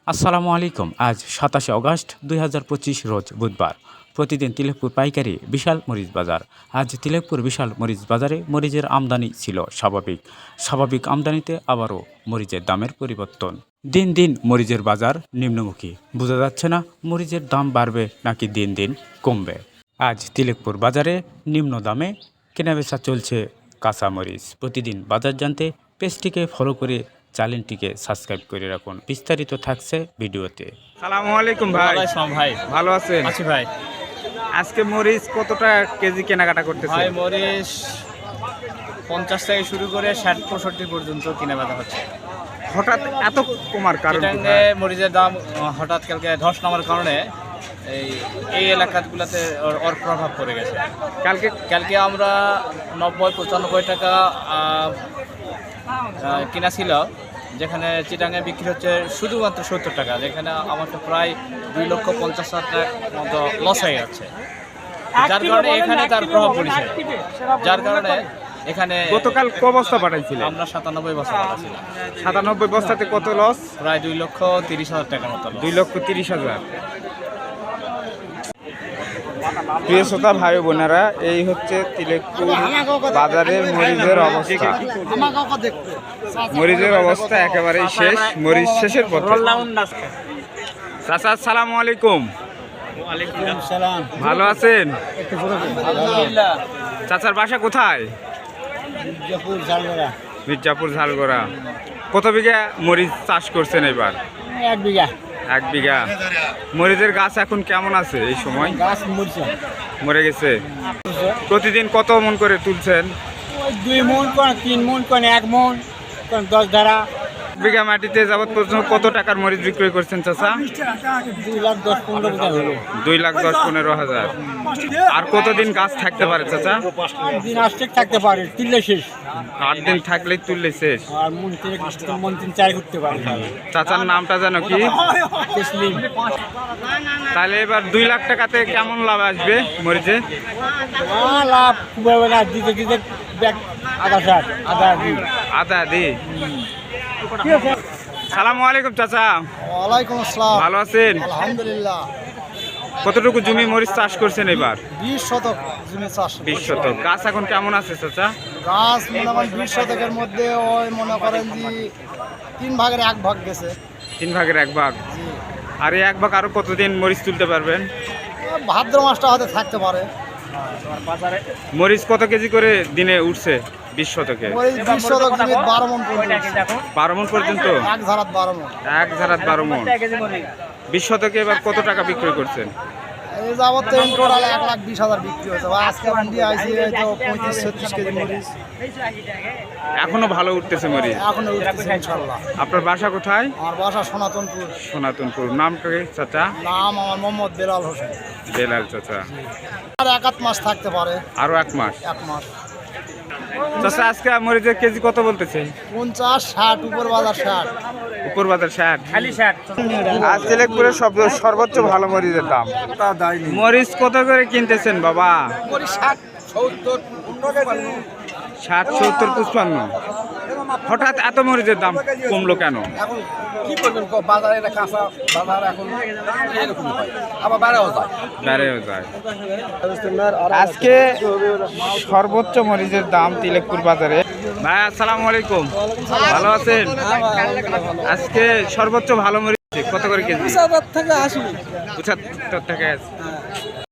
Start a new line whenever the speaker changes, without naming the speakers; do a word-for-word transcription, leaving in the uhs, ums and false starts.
আসসালামু আলাইকুম। আজ সাতাশে অগস্ট দুই হাজার পঁচিশ রোজ বুধবার। প্রতিদিন তিলেকপুর পাইকারি বিশাল মরিচ বাজার। আজ তিলেকপুর বিশাল মরিচ বাজারে মরিচের আমদানি ছিল স্বাভাবিক। স্বাভাবিক আমদানিতে আবারও মরিচের দামের পরিবর্তন। দিন দিন মরিচের বাজার নিম্নমুখী। বোঝা যাচ্ছে না মরিচের দাম বাড়বে নাকি দিন দিন কমবে। আজ তিলেকপুর বাজারে নিম্ন দামে কেনাবেচা চলছে কাঁচা মরিচ। প্রতিদিন বাজার জানতে পেজটিকে ফলো করে চ্যানেলটিকে সাবস্ক্রাইব করে রাখুন। বিস্তারিত থাকছে ভিডিওতে।
সালামু আলাইকুম ভাই।
ভাই
ভালো আছেন?
আছি ভাই।
আজকে মরিচ কতটা কেজি কেনাকাটা করতেছে?
ভাই মরিচ পঞ্চাশ থেকে শুরু করে ষাট পঁয়ষট্টি পর্যন্ত কিনে বেচা হচ্ছে।
হঠাৎ এত কমার কারণ কি
চিটাঙ্গে
ভাই?
মরিচের দাম হঠাৎ কালকে ধস নামার কারণে এই এই এলাকাগুলোতে ওর ওর প্রভাব পড়ে গেছে।
কালকে
কালকে আমরা নব্বই পঁচানব্বই টাকা আহ, আহ, কিনা ছিল, যেখানে চিটাঙ্গে বিক্রি হচ্ছে শুধুমাত্র সত্তর টাকা, যেখানে আমাকে প্রায় দুই লক্ষ পঞ্চাশ হাজার টাকার মতো লস হয়ে যাচ্ছে। যার কারণে এখানে তার প্রভাব পড়েছে, যার কারণে এখানে
গতকাল ক বস্তা পাঠাইছিলেন?
আমরা সাতানব্বই বছর পাঠাচ্ছিলাম।
সাতানব্বই বস্তাতে কত লস?
প্রায় দুই লক্ষ তিরিশ হাজার টাকার মতো loss।
দুই লক্ষ তিরিশ হাজার। প্রিয় শ্রোতা ভাই বোনেরা, এই হচ্ছে তিলেকপুর বাজারের মরিচের অবস্থা। মরিচের অবস্থা একেবারেই শেষ, মরিচ শেষের পথে। চাচা আসসালামু আলাইকুম। ভালো আছেন? চাচার বাসা কোথায়? মির্জাপুর ঝালগড়া। কত বিঘা মরিচ চাষ করছেন এবার?
এক বিঘা।
এক বিঘা। মরিচের গাছ এখন কেমন আছে এই সময়?
গাছ মরছে,
মরে গেছে। প্রতিদিন কত মন করে তুলছেন?
ওই দুই মন কোন তিন মন কোন এক মন কোন দশ ধারা।
বিঘা মাটিতে যাবত পর্যন্ত কত টাকার মরিচ বিক্রয় করছেন চাচা?
দুই লাখ দশ পনেরো বিঘা হলো।
দুই লাখ দশ পনেরো হাজার। আর কতদিন গাছ থাকতে পারে চাচা?
দিন আসতে থাকতে পারে, তুললে শেষ।
আট দিন থাকলেই তুললে শেষ।
আর মন তিন মন তিন চার করতে পারে।
চাচার নামটা জানো কি?
তসলিম।
তাহলে এবার দুই লাখ টাকাতে কেমন লাভ আসবে মরিচে?
আহ, লাভ খুব হবে না, দিতে দিতে ব্যাগ আধা ষাট আধা দিন।
আদা দি। সালামু আলাইকুম চাচা।
ওয়ালাইকুম আসসালাম।
ভালো আছেন?
আলহামদুলিল্লাহ।
কতটুকু জমি মরিচ চাষ করছেন এবার?
বিশ শতক জমি চাষ।
বিশ শতক। গাছ এখন কেমন আছে চাচা?
গাছ মনে হয় বিশ শতকের মধ্যে ওই মনে করেন যে তিন ভাগের এক ভাগ গেছে।
তিন ভাগের এক ভাগ। আর এই এক ভাগ আরো কতদিন মরিচ তুলতে পারবেন?
ভাদ্র মাসটা হয়তো থাকতে পারে।
মরিচ কত কেজি করে দিনে উঠছে বিশ শতকে?
ওই বিশ শতক জমি বারো মন পর্যন্ত।
বারো মন পর্যন্ত?
এক ধারাত বারো মন।
এক ধারাত বারো মন। বিশ শতকে এবার কত টাকা বিক্রয় করছেন?
এই যাবত তো টোটাল এক লাখ বিশ হাজার বিক্রি হয়েছে। বা আজকে মন্ডি আইসি তো পঁয়ত্রিশ ছত্রিশ কেজি মরিচ।
এখনো ভালো উঠতেছে মরিচ?
এখন উঠতেছে ইনশাল্লাহ।
আপনার বাসা কোথায়?
আমার বাসা সনাতনপুর।
সনাতনপুর। নামটা কি চাচা?
নাম আমার মোহাম্মদ বেলাল হোসেন।
বেলাল চাচা।
আর এক আধ মাস থাকতে পারে।
আরো এক মাস।
এক মাস।
চাচা আজকে মরিচের কেজি কত বলতেছে?
পঞ্চাশ ষাট, উপর বাজার ষাট।
উপর বাজার ষাট।
খালি ষাট।
আজ তিলেকপুরের সব সর্বোচ্চ ভালো মরিচের দাম। মরিচ কত করে কিনতেছেন বাবা?
ষাট সত্তর
ষাট সত্তর পঁচপান্ন। হঠাৎ এত মরিচের দাম কমলো কেন?
এখন কি করবেন, বাজারে এটা কাঁচা বাজার এখন এরকম হয়, আবার বাড়াও যায়।
বেড়েও যায়। আজকে সর্বোচ্চ মরিচের দাম তিলেকপুর বাজারে। ভাই আসসালামু আলাইকুম। ভালো আছেন? আজকে সর্বোচ্চ ভালো মরিচ কত করে কেজি?
পঁচাত্তর থেকে আশি।
পঁচাত্তর টাকা আছে।